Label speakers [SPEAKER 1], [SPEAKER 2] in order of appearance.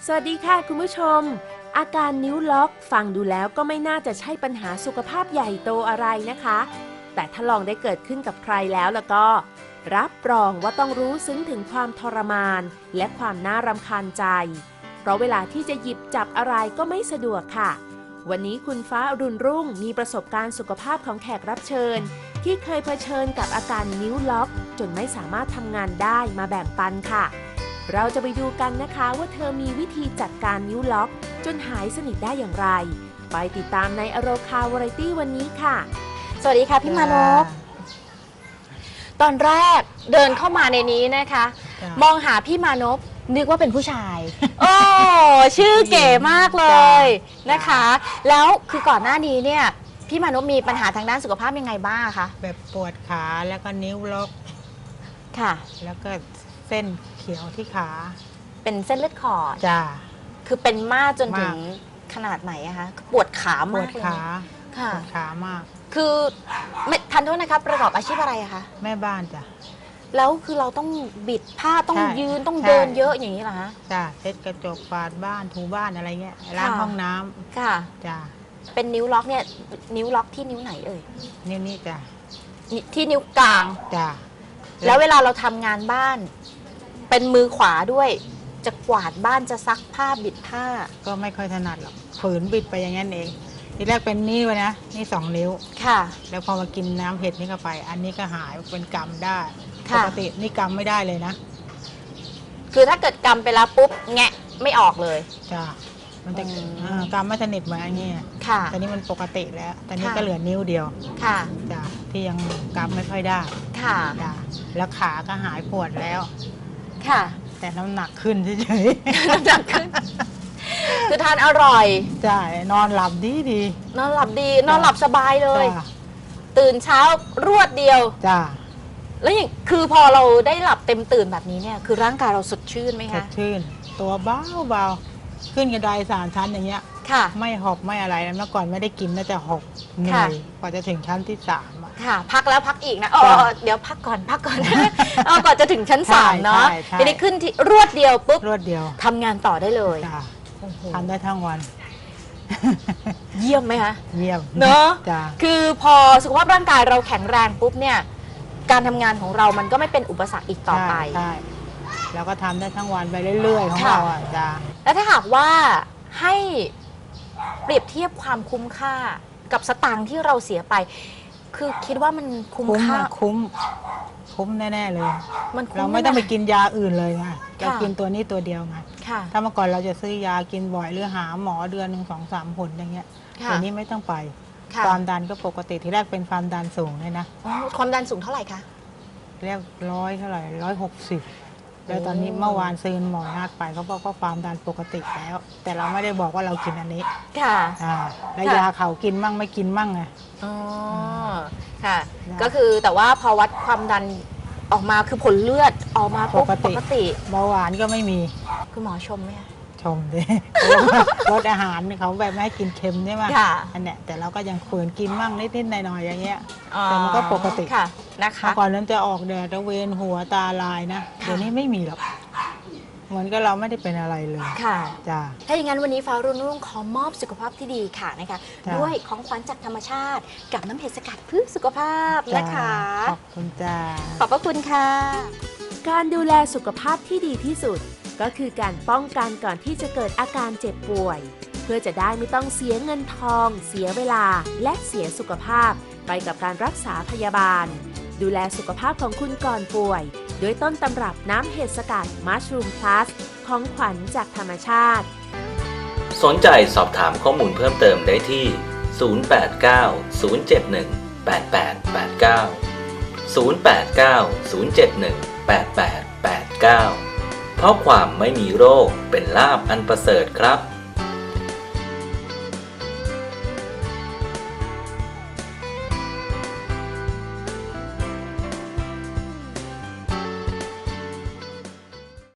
[SPEAKER 1] สวัสดีค่ะคุณผู้ชมอาการนิ้วล็อกฟังดูแล้วก็ไม่น่าจะใช่ปัญหาสุขภาพใหญ่โตอะไรนะคะแต่ถ้าลองได้เกิดขึ้นกับใครแล้วก็รับรองว่าต้องรู้ซึ้งถึงความทรมานและความน่ารำคาญใจเพราะเวลาที่จะหยิบจับอะไรก็ไม่สะดวกค่ะวันนี้คุณฟ้าอรุณรุ่งมีประสบการณ์สุขภาพของแขกรับเชิญที่เคยเผชิญกับอาการนิ้วล็อกจนไม่สามารถทำงานได้มาแบ่งปันค่ะเราจะไปดูกันนะคะว่าเธอมีวิธีจัดการนิ้วล็อกจนหายสนิทได้อย่างไรไปติดตามในอโรคาวาไรตี้วันนี้ค่ะ
[SPEAKER 2] สวัสดีค่ะพี่มานพตอนแรกเดินเข้ามาในนี้นะคะมองหาพี่มานพนึกว่าเป็นผู้ชายโอ้ชื่อเก๋มากเลยนะคะแล้วคือก่อนหน้านี้เนี่ยพี่มานพมีปัญหาทางด้านสุขภาพยังไงบ้างคะ
[SPEAKER 3] แบบปวดขาแล้วก็นิ้วล็อก
[SPEAKER 2] ค่ะ
[SPEAKER 3] แล้วก็เส้นเขียวที่ขา
[SPEAKER 2] เป็นเส้นเลือดขอด
[SPEAKER 3] จ้า
[SPEAKER 2] คือเป็นมากจนถึงขนาดไหนอะคะปวดขามากเลย
[SPEAKER 3] ค่ะปวดขามาก
[SPEAKER 2] คือทันโทษนะคะประกอบอาชีพอะไรอะคะ
[SPEAKER 3] แม่บ้านจ้ะ
[SPEAKER 2] แล้วคือเราต้องบิดผ้าต้องยืนต้องเดินเยอะอย่างนี้เหรอคะ
[SPEAKER 3] จ้ะเช็ดกระจกฝาดบ้านถูบ้านอะไรเงี้ยล้างห้องน้ำ
[SPEAKER 2] ค่ะ
[SPEAKER 3] จ้ะ
[SPEAKER 2] เป็นนิ้วล็อกเนี่ยนิ้วล็อกที่นิ้วไหนเอ่ย
[SPEAKER 3] นิ้วนี้จ้ะ
[SPEAKER 2] ที่นิ้วกลาง
[SPEAKER 3] จ้ะ
[SPEAKER 2] แล้วเวลาเราทำงานบ้านเป็นมือขวาด้วยจะกวาดบ้านจะซักผ้าบิดผ้า
[SPEAKER 3] ก็ไม่ค่อยถนัดหรอกฝืนบิดไปอย่างนั้นเองทีแรกเป็นนี่วะนะนี่2 นิ้ว
[SPEAKER 2] ค่ะ
[SPEAKER 3] แล้วพอมากินน้ำเห็ดนี่เข้าไปอันนี้ก็หายเป็นกำได้ปกตินี่กำไม่ได้เลยนะ
[SPEAKER 2] คือถ้าเกิดกำไปแล้วปุ๊บแงะไม่ออกเลย
[SPEAKER 3] จ้ะมันจะกำไม่สนิทเหมือนอันนี้
[SPEAKER 2] ค่ะ
[SPEAKER 3] แต่นี้มันปกติแล้วแต่นี้ก็เหลือนิ้วเดียว
[SPEAKER 2] ค่ะ
[SPEAKER 3] จ้ะที่ยังกำไม่ค่อยได้
[SPEAKER 2] ค่ะ
[SPEAKER 3] จ้ะแล้วขาก็หายปวดแล้ว
[SPEAKER 2] ค่ะ
[SPEAKER 3] แต่น้ำหนักขึ้นเฉย
[SPEAKER 2] ๆน้ำหนักขึ้นคือทานอร่อย
[SPEAKER 3] ใช่นอนหลับดี
[SPEAKER 2] นอนหลับดีนอนหลับสบายเลยตื่นเช้ารวดเดียว
[SPEAKER 3] จ้ะ
[SPEAKER 2] แล้วอย่างคือพอเราได้หลับเต็มตื่นแบบนี้เนี่ยคือร่างกายเราสดชื่นไหมคะ
[SPEAKER 3] สดชื่นตัวเบาขึ้นกระได3 ชั้นอย่างเงี้ย
[SPEAKER 2] ค่ะ
[SPEAKER 3] ไม่หอบไม่อะไรเมื่อก่อนไม่ได้กินน่าจะหอบเหนื่อยกว่าจะถึงชั้นที่3
[SPEAKER 2] ค่ะพักแล้วพักอีกนะเดี๋ยวพักก่อนก่อนจะถึงชั้น3เนาะทีนี้ขึ้นที่รวดเดียวปุ๊บ
[SPEAKER 3] รวดเดียว
[SPEAKER 2] ทำงานต่อได้เลย
[SPEAKER 3] ทำได้ทั้งวัน
[SPEAKER 2] เยี่ยมไหมคะ
[SPEAKER 3] เยี่ยม
[SPEAKER 2] เนาะคือพอสุขภาพร่างกายเราแข็งแรงปุ๊บเนี่ยการทำงานของเรามันก็ไม่เป็นอุปสรรคอีกต่อไป
[SPEAKER 3] ใช่แล้วก็ทำได้ทั้งวันไปเรื่อยๆของเราจ้ะ
[SPEAKER 2] แล้วถ้าหากว่าให้เปรียบเทียบความคุ้มค่ากับสตางค์ที่เราเสียไปคือคิดว่ามันคุ้มค่า
[SPEAKER 3] คุ้มแน่ๆเลย
[SPEAKER 2] เรา
[SPEAKER 3] ไม่ต้องไปกินยาอื่นเลยไงเรากินตัวนี้ตัวเดียวไงถ้าเมื่อก่อนเราจะซื้อยากินบ่อยหรือหาหมอเดือน1 2 3 หนอย่างเงี้ยตัวนี้ไม่ต้องไปความดันก็ปกติที่แรกเป็นความดันสูงเลยนะ
[SPEAKER 2] ความดันสูงเท่าไหร่คะ
[SPEAKER 3] แรก100เท่าไหร่160แล้วตอนนี้เมื่อวานซื้อหมอนัดไปเขาบอกว่าความดันปกติแล้วแต่เราไม่ได้บอกว่าเรากินอันนี้
[SPEAKER 2] ค่ะ
[SPEAKER 3] แล้วยาเขากินมั่งไม่กินมั่งไง
[SPEAKER 2] อ๋อค่ะก็คือแต่ว่าพอวัดความดันออกมาคือผลเลือดออกมาปกติ
[SPEAKER 3] เบาหวานก็ไม่มี
[SPEAKER 2] คุณหมอชมไหมคะ
[SPEAKER 3] ชมดิลดอาหารเขาแบบไม่ให้กินเค็มใช่ไหมอันเนี้ยแต่เราก็ยังฝืนกินมั่งนิดๆหน่อยๆอย่างเงี้ยแต่มันก็ปกติ
[SPEAKER 2] ค่ะนะคะ
[SPEAKER 3] ก่อนนั้นจะออกแดดตะเวนหัวตาลายนะเดี๋ยวนี้ไม่มีหรอกเหมือนกับเราไม่ได้เป็นอะไรเลย
[SPEAKER 2] ค่ะ
[SPEAKER 3] จ้า
[SPEAKER 2] ถ้าอย่างนั้นวันนี้ฟ้ารุ่งขอมอบสุขภาพที่ดีค่ะนะคะด้วยของขวัญจากธรรมชาติกับน้ำเห็ดสกัดเพื่อสุขภาพนะคะ
[SPEAKER 3] ขอบคุณจ้า
[SPEAKER 2] ขอบพระคุณค่ะ
[SPEAKER 1] การดูแลสุขภาพที่ดีที่สุดก็คือการป้องกันก่อนที่จะเกิดอาการเจ็บป่วยเพื่อจะได้ไม่ต้องเสียเงินทองเสียเวลาและเสียสุขภาพไปกับการรักษาพยาบาลดูแลสุขภาพของคุณก่อนป่วยด้วยต้นตำรับน้ำเห็ดสกัดมัชรูมพลัสของขวัญจากธรรมชาติ
[SPEAKER 4] สนใจสอบถามข้อมูลเพิ่มเติมได้ที่ 089 071 8889 089 071 8889 เพราะความไม่มีโรคเป็นลาภอันประเสริฐครับ